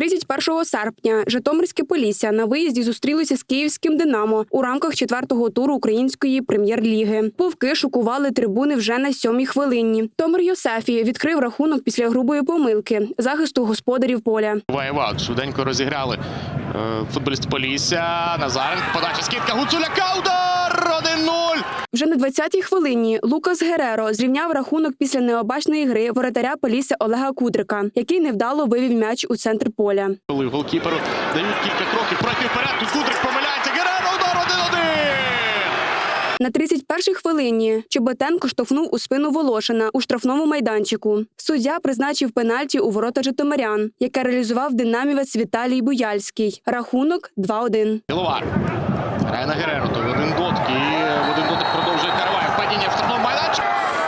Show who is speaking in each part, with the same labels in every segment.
Speaker 1: 31 серпня Житомирське Полісся на виїзді зустрілося з київським «Динамо» у рамках 4-го туру української прем'єр-ліги. Вовки шокували трибуни вже на 7-й хвилині. Томир Йосефі відкрив рахунок після грубої помилки захисту господарів поля.
Speaker 2: Ваєват швиденько розіграли футболіст Полісся. Назаренко, подача, скидка Гуцуляка, удар! 1-0!
Speaker 1: Вже на 20-й хвилині Лукас Гереро зрівняв рахунок після необачної гри воротаря Полісся Олега Кудрика, який невдало вивів м'яч у центр поля.
Speaker 2: Коли голкіперу дають кілька кроків, пройти вперед, тут Кудрик помиляється, Гереро, удар 1-1!
Speaker 1: На 31-й хвилині Чоботенко штовхнув у спину Волошина у штрафному майданчику. Суддя призначив пенальті у ворота житомирян, яке реалізував динамівець Віталій Буяльський. Рахунок 2-1.
Speaker 2: Біловар грає на Гереро, той в один дотик і в один дотик продовжує Караваєв. Падіння в штрафному майданчику.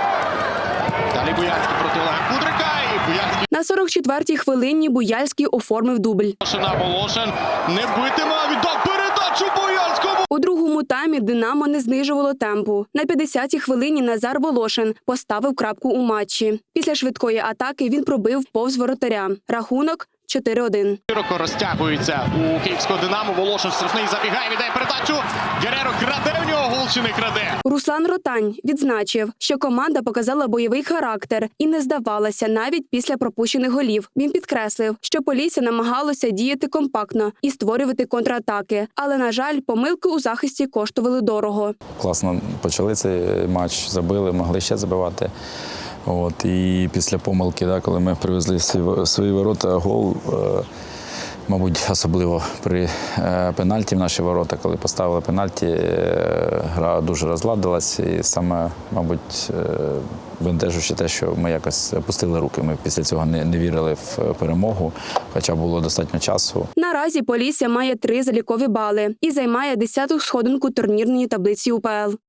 Speaker 2: Далі Буяльський проти Олега Кудрика і Буяльський.
Speaker 1: На 44-й хвилині Буяльський оформив дубль.
Speaker 2: Волошин не битиме, віддав передачу Буяльському.
Speaker 1: У другому таймі «Динамо» не знижувало темпу. На 50-й хвилині Назар Волошин поставив крапку у матчі. Після швидкої атаки він пробив повз воротаря. Рахунок 4-1.
Speaker 2: Широко розтягується у київського «Динамо». Волошин штрафний забігає, віддає передачу. Гереро краде в нього, гол чи не краде.
Speaker 1: Руслан Ротань відзначив, що команда показала бойовий характер і не здавалася навіть після пропущених голів. Він підкреслив, що Полісся намагалося діяти компактно і створювати контратаки. Але, на жаль, помилки у захисті коштували дорого.
Speaker 3: Класно почали цей матч, забили, могли ще забивати. І після помилки, коли ми привезли свої ворота, гол, мабуть, особливо при пенальті в наші ворота, коли поставили пенальті, гра дуже розладилась. І саме, мабуть, бентежуючи те, що ми якось опустили руки. Ми після цього не вірили в перемогу, хоча було достатньо часу.
Speaker 1: Наразі Полісся має 3 залікові бали і займає 10-ту сходинку турнірної таблиці УПЛ.